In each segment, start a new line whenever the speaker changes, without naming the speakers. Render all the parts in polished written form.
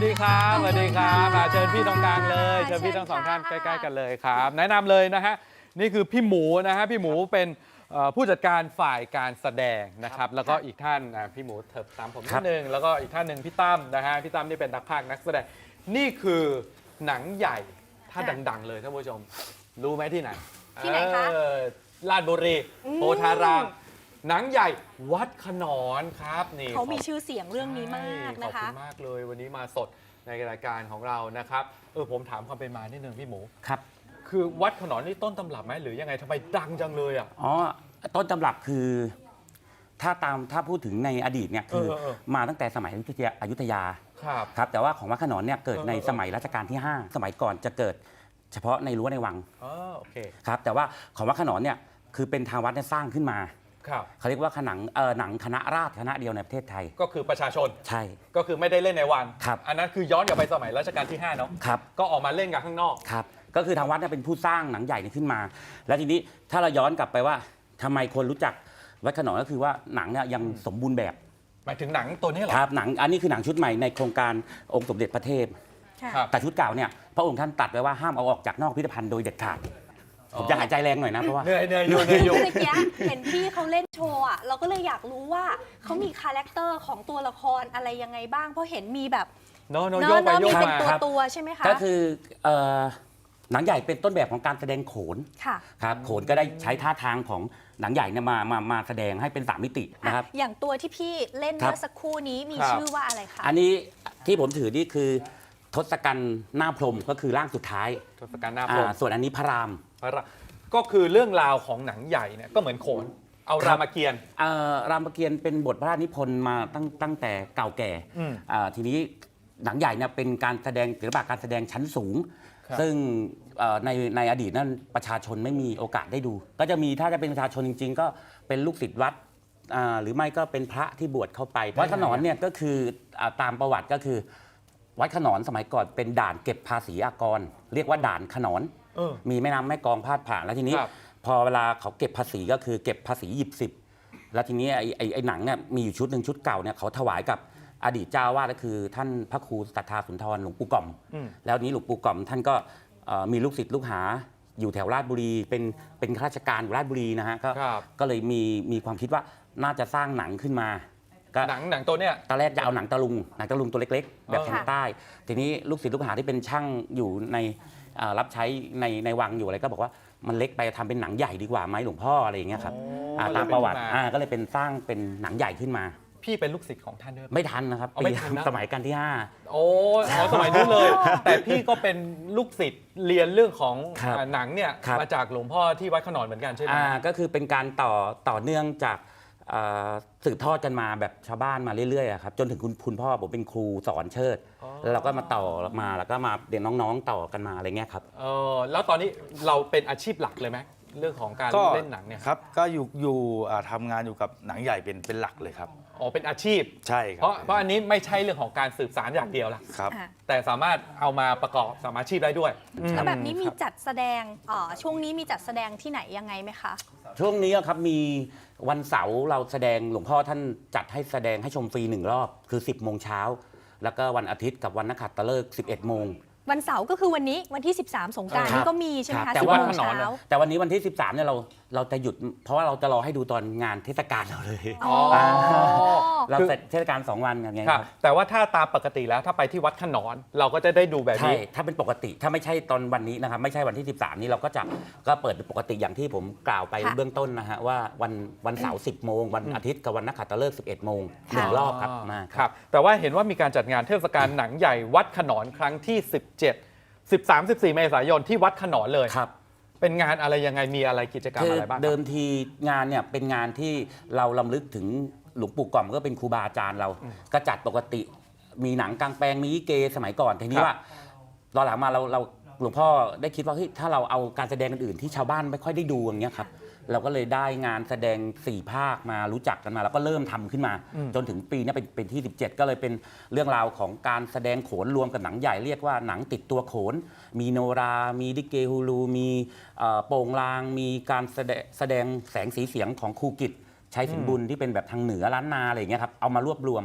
ดีครับสวัสดีครับเชิญพี่ตรงกลางเลยเชิญพี่ทั้งสองท่านใกล้ๆกันเลยครับแนะนำเลยนะฮะนี่คือพี่หมูนะฮะพี่หมูเป็นผู้จัดการฝ่ายการแสดงนะครับแล้วก็อีกท่านพี่หมูเถิบตามผมนิดนึงแล้วก็อีกท่านหนึ่งพี่ตั้มนะฮะพี่ตั้มนี่เป็นนักพากย์นักแสดงนี่คือหนังใหญ่ถ้าดังๆเลยท่านผู้ชมรู้ไหมที่ไหน
ที่ไหนคะ
ลาดบุรีโพธารามหนังใหญ่วัดขนอนครับนี่
เขามีชื่อเสียงเรื่องนี้มากนะคะ
ขอบคุณมากเลยวันนี้มาสดในรายการของเรานะครับผมถามความเป็นมานิดนึงพี่หมู
ครับ
คือวัดขนอนนี่ต้นตำรับไหมหรือยังไงทำไมดังจังเลยอ่ะ
ต้นตำรับคือถ้าพูดถึงในอดีตเนี่ยคือมาตั้งแต่สมัยอยุธยาครับแต่ว่าของวัดขนอนเนี่ยเกิดในสมัยรัชกาลที่ 5สมัยก่อนจะเกิดเฉพาะในรั้วในวัง
โอเค
ครับแต่ว่าของวัดขนอนเนี่ยคือเป็นทางวัดเนี่ยสร้างขึ้นมาเขาเรียกว่าหนังคณะราษฎรคณะเดียวในประเทศไทย
ก็คือประชาชน
ใช่
ก็คือไม่ได้เล่นในวัง
ครับ
อันนั้นคือย้อนกลับไปสมัยรัชกาลที่5เนาะ
ครับ
ก็ออกมาเล่นกันข้างนอก
ครับก็คือทางวัดเนี่ยเป็นผู้สร้างหนังใหญ่นี้ขึ้นมาแล้วทีนี้ถ้าเราย้อนกลับไปว่าทำไมคนรู้จักวัดขนอนก็คือว่าหนังเนี่ยยังสมบูรณ์แบบ
หมายถึงหนังตัวนี้เหรอ
ครับหนังอันนี้คือหนังชุดใหม่ในโครงการองค์สมเด็จพระเทพแต่ชุดเก่าเนี่ยพระองค์ท่านตัดไว้ว่าห้ามเอาออกจากนอกพิพิธภัณฑ์โดยเด็ดขาดผมจะหายใจแรงหน่อยนะเพราะว่า
เหนื่อยอยู่เ
มื่อกี้เห็นพี่เขาเล่นโชว์อ่ะเราก็เลยอยากรู้ว่าเขามีคาแรคเตอร์ของตัวละครอะไรยังไงบ้างเพราะเห็นมีแบบ
โยกไปโยก
มาเป็นตัวใช่ไหมคะ
ก็คือหนังใหญ่เป็นต้นแบบของการแสดงโขนครับโขนก็ได้ใช้ท่าทางของหนังใหญ่เนี่ยมาแสดงให้เป็น3มิตินะครับ
อย่างตัวที่พี่เล่นเมื่อสักครู่นี้มีชื่อว่าอะไรคะ
อันนี้ที่ผมถือนี่คือทศกัณฐ์หน้าพรหมก็คือร่างสุดท้าย
ทศกัณฐ์หน้าพรหม
ส่วนอันนี้พระราม
ก็คือเรื่องราวของหนังใหญ่เนี่ยก็เหมือนโขนเอารามเกียรติ์
รามเกียรติ์เป็นบทพระราชนิพนธ์มาตั้งแต่เก่าแก่ทีนี้หนังใหญ่เนี่ยเป็นการแสดงศิลปะการแสดงชั้นสูงซึ่งในอดีตนั้นประชาชนไม่มีโอกาสได้ดูก็จะมีถ้าจะเป็นประชาชนจริงๆก็เป็นลูกศิษย์วัดหรือไม่ก็เป็นพระที่บวชเข้าไปวัดขนอนเนี่ยก็คือตามประวัติก็คือวัดขนอนสมัยก่อนเป็นด่านเก็บภาษีอากรเรียกว่าด่านขนอนมีแม่น้ำแม่กลองพาดผ่านแล้วทีนี้พอเวลาเขาเก็บภาษีก็คือเก็บภาษีหยิบ10แล้วทีนี้ไอ้หนังเนี่ยมีอยู่ชุดหนึ่งชุดเก่าเนี่ยเขาถวายกับอดีตเจ้าวาดก็คือท่านพระครูศรัทธาสุนทรหลวงปู่ก่อมแล้วนี้หลวงปู่ก่อมท่านก็มีลูกศิษย์ลูกหาอยู่แถวราชบุรีเป็นข้าราชการอยู่ราชบุรีนะฮะก็เลยมีความคิดว่าน่าจะสร้างหนังขึ้นมา
หนังตัวเนี้ย
ตอนแรกจะเอาหนังตะลุงตัวเล็กๆแบบทางใต้ทีนี้ลูกศิษย์ลูกหาที่เป็นช่างอยู่ในรับใช้ในวังอยู่อะไรก็บอกว่ามันเล็กไปทำเป็นหนังใหญ่ดีกว่าไหมหลวงพ่ออะไรอย่างเงี้ยครับตามประวัติก็เลยเป็นสร้างเป็นหนังใหญ่ขึ้นมา
พี่เป็นลูกศิษย์ของท่านด้วย
ไม่ทันนะครับปีสมัยกันที่5
สมัยนู้นเลยแต่พี่ก็เป็นลูกศิษย์เรียนเรื่องของหนังเนี่ยมาจากหลวงพ่อที่วัดขนอนเหมือนกันใช่ไหม
ก็คือเป็นการต่อเนื่องจากสืบทอดกันมาแบบชาวบ้านมาเรื่อยๆครับจนถึงคุณพ่อผมเป็นครูสอนเชิดแล้วเราก็มาต่อมาแล้วก็มาเด็กน้องๆต่อกันมาอะไรเงี้ยครับ
แล้วตอนนี้เราเป็นอาชีพหลักเลยไหมเรื่องของการเล่นหนังเนี่ย
ครับก็อยู่ทำงานอยู่กับหนังใหญ่เป็นหลักเลยครับ
เป็นอาชีพ
ใช่ครับ
เพราะอันนี้ไม่ใช่เรื่องของการสืบสารอย่างเดียวละ
ครับ
แต่สามารถเอามาประกอบสามอาชีพได้ด้วย
แล้วแบบนี้มีจัดแสดงช่วงนี้มีจัดแสดงที่ไหนยังไงไหมคะ
ช่วงนี้ครับมีวันเสาร์เราแสดงหลวงพ่อท่านจัดให้แสดงให้ชมฟรี1 รอบคือ10 โมงเช้าแล้วก็วันอาทิตย์กับวันนักขัตฤกษ์11 โมง
วันเสาร์ก็คือวันนี้วันที่13สงกรานต์นี่ก็มีใช่ไหมคะ
แต่วันเช้าแต่วันนี้วันที่13เนี่ยเราจะหยุดเพราะว่าเราจะรอให้ดูตอนงานเทศกาลเราเลยเราเสร็จเทศกาล2 วันกันไงครับ
แต่ว่าถ้าตามปกติแล้วถ้าไปที่วัดขนอนเราก็จะได้ดูแบบนี้
ถ้าเป็นปกติถ้าไม่ใช่ตอนวันนี้นะครับไม่ใช่วันที่13นี้เราก็เปิดปกติอย่างที่ผมกล่าวไปเบื้องต้นนะฮะว่าวันเสาร์10 โมงวันอาทิตย์กับวันนักขัตฤกษ์11 โมง1 รอบครับ
ครับแต่ว่าเห็นว่ามีการจัดงานเทศกาลหนังใหญ่วัดขนอนครั้งที่13-14 เมษายนที่วัดขนอนเลย
ครับ
เป็นงานอะไรยังไงมีอะไรกิจกรรมอะไรบ้าง
เดิมทีงานเนี่ยเป็นงานที่เรารำลึกถึงหลวงปู่ก่อมก็เป็นครูบาอาจารย์เราก็จัดปกติมีหนังกลางแปลงมีลิเกสมัยก่อนทีนี้ว่าตอนหลังมาเราหลวงพ่อได้คิดว่าเฮ้ยถ้าเราเอาการแสดงอื่นที่ชาวบ้านไม่ค่อยได้ดูอย่างเงี้ยครับเราก็เลยได้งานแสดง4 ภาคมารู้จักกันมาแล้วก็เริ่มทำขึ้นมาจนถึงปีนี้เป็นที่17ก็เลยเป็นเรื่องราวของการแสดงโขนรวมกับหนังใหญ่เรียกว่าหนังติดตัวโขนมีโนรามีลิเกฮูลูมีโป่งลางมีการแสดงแสงสีเสียงของครูกิจชัยสินบุญที่เป็นแบบทางเหนือล้านนาอะไรอย่างเงี้ยครับเอามารวบรวม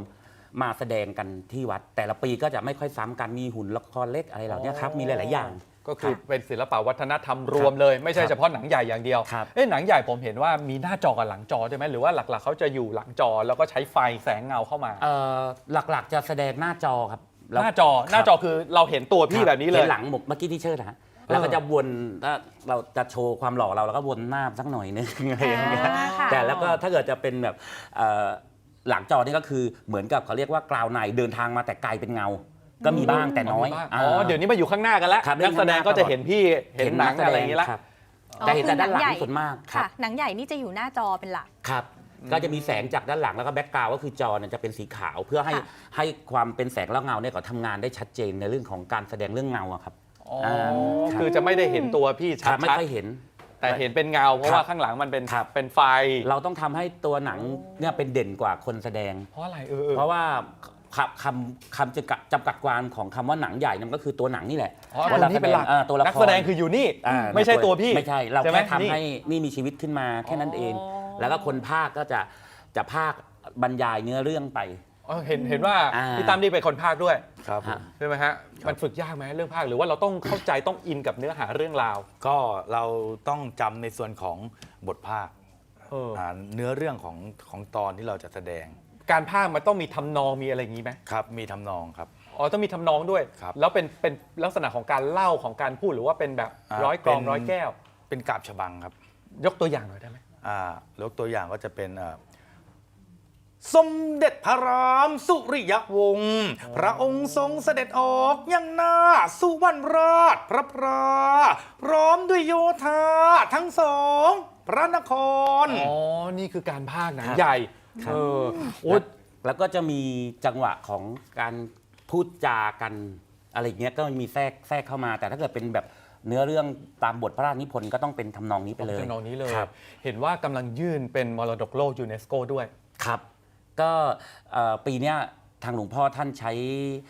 มาแสดงกันที่วัด แต่ละปีก็จะไม่ค่อยซ้ำกันมีหุ่นละครเล็กอะไรเหล่านี้ครับมีหลายๆอย่าง
ก็คือเป็นศิลปะวัฒนธรรมรวมเลย ไม่ใช่เฉพาะหนังใหญ่อย่างเดียว
ครับ
หนังใหญ่ผมเห็นว่ามีหน้าจอกับหลังจอใช่ไหมหรือว่าหลักๆเขาจะอยู่หลังจอแล้วก็ใช้ไฟแสงเงาเข้ามา
หลักๆจะแสดงหน้าจอครับ
หน้าจอคือเราเห็นตัวพี่แบบนี้เลย
ห็นหลังเมื่อกี้ที่เชิดนะฮะแล้วก็จะวนถ้าเราจะโชว์ความหล่อเราแล้วก็วนหน้าสักหน่อยนึงอะไรอย่างเงี้ย
ค่ะ
แต่แล้วก็ถ้าเกิดจะเป็นแบบหลังจอนี่ก็คือเหมือนกับเขาเรียกว่ากราวในเดินทางมาแต่ไกลเป็นเงา ก็มีบ้างแต่น้อย
เดี๋ยวนี้มาอยู่ข้างหน้ากันแล้ว
ครับ
นักแสดงก็จะเห็นพี่เห็นหนังอะไรอย่างนี้ละ
ครับแต่เห็นแต่ด้านหลังส่วนมากครั
ค่ะ
บ
หนังใหญ่นี่จะอยู่หน้าจอเป็นหลัก
ครับ ก็จะมีแสงจากด้านหลังแล้วก็แบ็กกราวด์ก็คือจอเนี่ยจะเป็นสีขาวเพื่อให้
ค่ะ
ให้ความเป็นแสงและเงาเนี่ยก็ทำงานได้ชัดเจนในเรื่องของการแสดงเรื่องเงาอะครับ
คือจะไม่ได้เห็นตัวพี่
ครั
ชั
บไม่
ด
ค่อยเห็น
ๆแต่เห็นเป็นเงาเพราะว่าข้างหลังมันเป็น
ครับ
เป็นไฟ
เราต้องทำให้ตัวหนังเนี่ยเป็นเด่นกว่าคนแสดง
เพราะอะไร
เพราะว่าคำจำกัดความของคำว่าหนังใหญ่นั่นก็คือตัวหนังนี่แหละ
อ๋อ
ว่า
ตัวนี้เป็นหลัก
ตัวละคร
นักแสดงคืออยู่นี่ ไม่ใช่ตัวพี่
ไม่ใช่เรา
ใช่ไหม
แค่ทำให้นี่มีชีวิตขึ้นมาแค่นั้นเอง แล้วก็คนภาคก็จะภาคบรรยายเนื้อเรื่องไป
เห็นว่า
อ่า
พี่ตั้มนี่เป็นคนภาคด้วย
ครับผม
ใช่ไหมฮะมันฝึกยากไหมเรื่องภาคหรือว่าเราต้องเข้าใจต้องอินกับเนื้อหาเรื่องราว
ก็เราต้องจำในส่วนของบทภาค
เออ
เนื้อเรื่องของตอนที่เราจะแสดง
การภาคมันต้องมีทำนองมีอะไรอย่างนี้ไหม
ครับมีทำนองครับ
อ๋อต้องมีทำนองด้วย
ครับ
แล้วเป็นลักษณะของการเล่าของการพูดหรือว่าเป็นแบบร้อยกลองร้อยแก้ว
เป็นกาบฉบังครับ
ยกตัวอย่างหน่อยได้ไหม
ยกตัวอย่างก็จะเป็นสมเด็จพระรามสุริยวงศ์พระองค์ทรงเสด็จออกยังหน้าสุวรรณราชพระพราพร้อมด้วยโยธาทั้งสองพระนคร
อ๋อนี่คือการภาคหนัง
ครับ
ใหญ่
ครับ
โอ้ย
แล้วก็จะมีจังหวะของการพูดจากันอะไรอย่างเงี้ยก็มีแทรกเข้ามา แต่ถ้าเกิดเป็นแบบเนื้อเรื่องตามบทพระราชนิพนธ์ก็ต้องเป็นทำนองนี้ไปเลย
ทำนองนี้เลย
ครับ
เห็นว่ากำลังยื่นเป็นมรดกโลกยูเนสโกด้วย
ครับก็ปีเนี้ยทางหลวงพ่อท่านใช้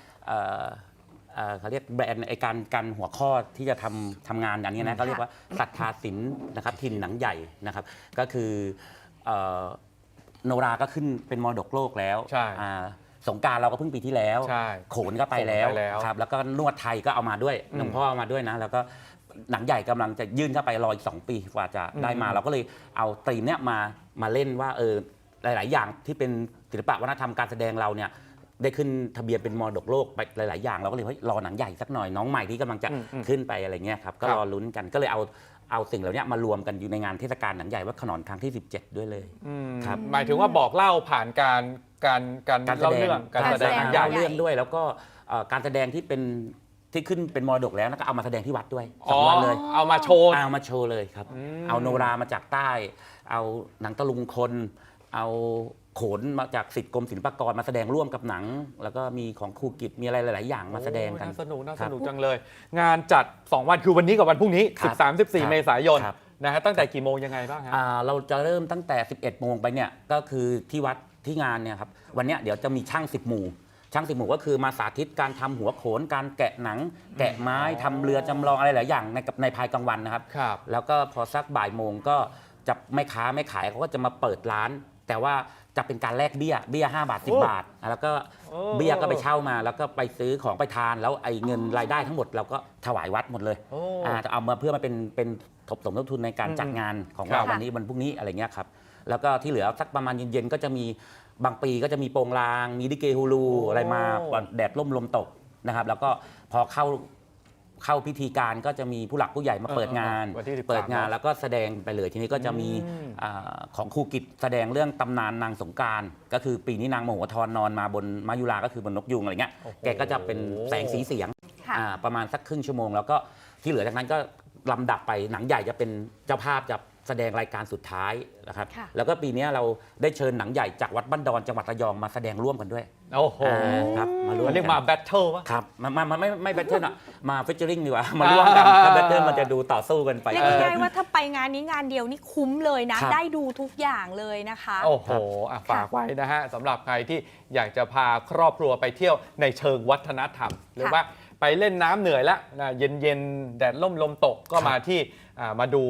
เขาเรียกแบรนด์ไอการหัวข้อที่จะทำงานอย่างนี้นะเขาเรียกว่าศรัทธาศิลป์นะครับถิ่นหนังใหญ่นะครับก็คือโนราก็ขึ้นเป็นมรดกโลกแล้ว
ใช่
สงกรานต์เราก็เพิ่งปีที่แล้ว
ใช่
โขนก็ไปแล้ว
โขนไปแล้ว
ครับแล้วก็นวดไทยก็เอามาด้วยหลวงพ่อเอามาด้วยนะแล้วก็หนังใหญ่กำลังจะยื่นเข้าไปรออีก2 ปีกว่าจะได้มาเราก็เลยเอาธีมเนี้ยมาเล่นว่าหลาย ๆ อย่างที่เป็นศิลปะวัฒนธรรมการแสดงเราเนี่ยได้ขึ้นทะเบียนเป็นมรดกโลกไปหลาย ๆ อย่างเราก็เลยรอหนังใหญ่สักหน่อยน้องใหม่ที่กำลังจะขึ้นไปอะไรเงี้ยครับก็รอลุ้นกันก็เลยเอาสิ่งเหล่านี้มารวมกันอยู่ในงานเทศกาลหนังใหญ่วัดขนอนครั้งที่ 17 ด้วยเลยครับ
หมายถึงว่าบอกเล่าผ่านการเล่าเรื่องการแสดงหนังใหญ่
เรื่องด้วยแล้วก็การแสดงที่ขึ้นเป็นมรดกแล้วก็เอามาแสดงที่วัดด้วย2 วันเลย
เอามาโชว์
เอามาโชว์เลยครับ เอาโนรามาจากใต้ เอาหนังตะลุงคน เอาโขนมาจากศิษย์กรมศิลปากรมาแสดงร่วมกับหนัง แล้วก็มีของครูกิจมีอะไรหลาย ๆ อย่างมาแสดงกัน
น่าสนุก
ครับ
จังเลย งานจัด 2 วันคือวันนี้กับวันพรุ่งนี้
ครับ
13-14 เมษายน
ครับ
นะฮะตั้งแต่กี่โมงยังไงบ้างฮะ
เราจะเริ่มตั้งแต่ 11 โมงไปเนี่ยก็คือที่วัดที่งานเนี่ยครับวันเนี้ยเดี๋ยวจะมีช่าง10 หมู่ช่าง10 หมู่ก็คือมาสาธิตการทำหัวโขนการแกะหนัง แกะไม้ทำเรือจำลองอะไรหลายอย่างในภายกลางวันนะครับ
ครับ
แล้วก็พอสักบ่ายโมงก็จะไม่ค้าไม่ขายเขาก็จะมาเปิดร้าน แต่ว่าจะเป็นการแลกเบี้ย5 บาท 10 บาทแล้วก็เบี้ยก็ไปเช่ามา แล้วก็ไปซื้อของไปทานแล้วไอ้เงินรายได้ทั้งหมดเราก็ถวายวัดหมดเลยจะเอามาเพื่อมาเป็นสมทบทุนในการจัดงานของเราวันนี้วันพรุ่งนี้อะไรเงี้ยครับแล้วก็ที่เหลือสักประมาณเย็นๆก็จะมีบางปีก็จะมีโปงลางมีลิเกฮูลูอะไรมาแดดร่มลมตกนะครับแล้วก็พอเข้าพิธีการก็จะมีผู้หลักผู้ใหญ่มาเปิดงาน
วันที่13
เปิดงานแล้วก็แสดงไปเลยทีนี้ก็จะมีของครูกิจแสดงเรื่องตำนานนางสงกรานต์ก็คือปีนี้นางมโหธรนอนมาบนมายุราก็คือบนนกยุงอะไรเงี้ยแกก็จะเป็นแสงสีเสียง
ค่ะ
ประมาณสักครึ่งชั่วโมงแล้วก็ที่เหลือจากนั้นก็ลำดับไปหนังใหญ่จะเป็นเจ้าภาพจะแสดงรายการสุดท้ายนะครับ
ค่ะ
แล้วก็ปีนี้เราได้เชิญหนังใหญ่จากวัดบ้านดอนจังหวัดระยองมาแสดงร่วมกันด้วย
โอ้โห
ครับมาร่วม
มันเรียกมาแบทเทิลวะ
ครับมาไม่แบทเทิลอะมาเฟเจอริงดีกว่ามาร่วมกันถ้าแบทเทิลมันจะดูต่อสู้กันไป
เรียกง่ายๆว่าถ้าไปงานนี้งานเดียวนี่คุ้มเลยนะ
ครับ
ได้ดูทุกอย่างเลยนะคะ
โอ้โหฝากไว้นะฮะสำหรับใครที่อยากจะพาครอบครัวไปเที่ยวในเชิงวัฒนธรรม หรือว่าไปเล่นน้ำเหนื่อยแล้วนะเย็นๆแดดล่มลมตกก็มาที่มาดู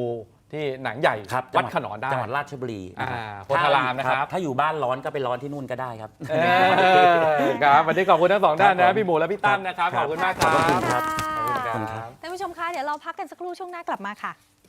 ที่หนังใหญ่
ครับ
วัดขนอนได้
จังหวัดราชบุรีนะครับ
โพธารามนะครับ
ถ้าอยู่บ้านร้อนก็ไปร้อนที่นู่นก็ได้ครับ
ครับวันนี้ขอบคุณทั้งสองท่าน
ครั
นะ
บ
พี่หมูและพี่ตั้มนะครับ
ครับ
ขอบคุณมากค
ข
รั
อ
บบ
คุณครับ
ขอบคุณค
ขอบคุณครั
รับ บ
ท่านผู้ชมคะเดี๋ยวเราพักกันสักครู่ช่วงหน้ากลับมาค่ะ